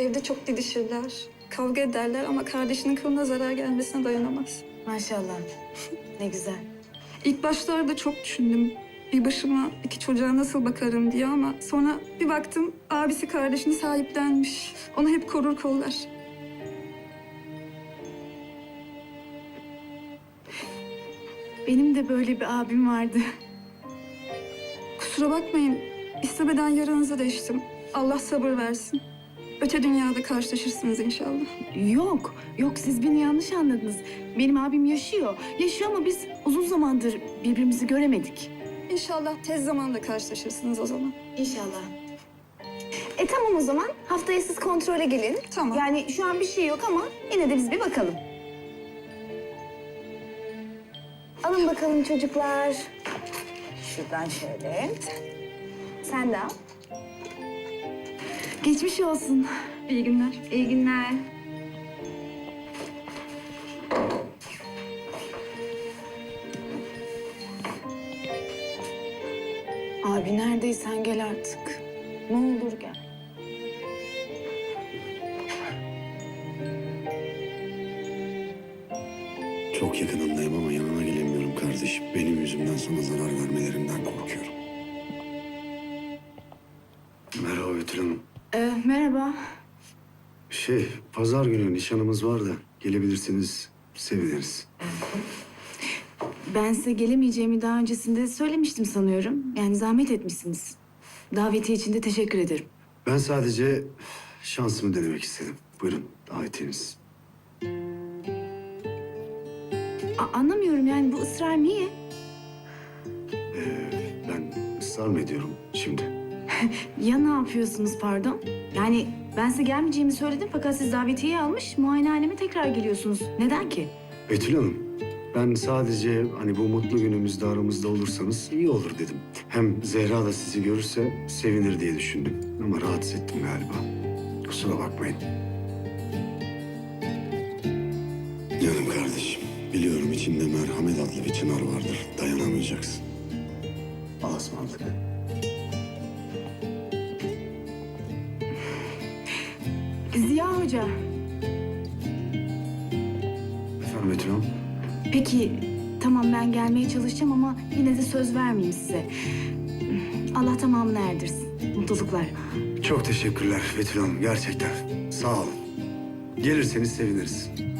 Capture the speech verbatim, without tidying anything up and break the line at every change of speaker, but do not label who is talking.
Evde çok didişirler, kavga ederler ama kardeşinin kılına zarar gelmesine dayanamaz.
Maşallah. Ne güzel.
İlk başlarda çok düşündüm. Bir başıma iki çocuğa nasıl bakarım diye ama sonra bir baktım abisi kardeşini sahiplenmiş. Onu hep korur kollar.
Benim de böyle bir abim vardı.
Kusura bakmayın, istemeden yaranızı deştim. Allah sabır versin. Öte dünyada karşılaşırsınız inşallah.
Yok, yok siz beni yanlış anladınız. Benim abim yaşıyor. Yaşıyor ama biz uzun zamandır birbirimizi göremedik.
İnşallah tez zamanda karşılaşırsınız o zaman.
İnşallah. E tamam o zaman. Haftaya siz kontrole gelin.
Tamam.
Yani şu an bir şey yok ama yine de biz bir bakalım. Alın bakalım çocuklar. Şuradan şöyle. Sen de al. Geçmiş olsun.
İyi günler.
İyi günler. Abi neredeysen gel artık. Ne olur gel.
Çok yakınındayım ama yanına gelemiyorum kardeşim. Benim yüzümden sana zarar vermelerinden korkuyorum. Merhaba Betül Hanım.
Ee, merhaba.
Şey, pazar günü nişanımız var da gelebilirsiniz, seviniriz.
Ben size gelemeyeceğimi daha öncesinde söylemiştim sanıyorum. Yani zahmet etmişsiniz. Davetiye için de teşekkür ederim.
Ben sadece şansımı denemek istedim. Buyurun, davetiyeniz.
A- anlamıyorum yani bu ısrar niye?
Ee, ben ısrar mı ediyorum şimdi?
Ya ne yapıyorsunuz pardon? Yani ben size gelmeyeceğimi söyledim fakat siz davetiyeyi almış muayenehaneme tekrar geliyorsunuz. Neden ki?
Betül Hanım, ben sadece hani bu mutlu günümüzde aramızda olursanız iyi olur dedim. Hem Zehra da sizi görürse sevinir diye düşündüm. Ama rahatsız ettim galiba. Kusura bakmayın. Canım kardeşim, biliyorum içinde merhamet adlı bir çınar vardır. Dayanamayacaksın. Allah'a ısmarladık.
Ziya Hoca.
Efendim Betül Hanım?
Peki tamam ben gelmeye çalışacağım ama yine de söz vermeyeyim size. Allah tamamını erdirsin. Mutluluklar.
Çok teşekkürler Betül Hanım, gerçekten. Sağ olun. Gelirseniz seviniriz.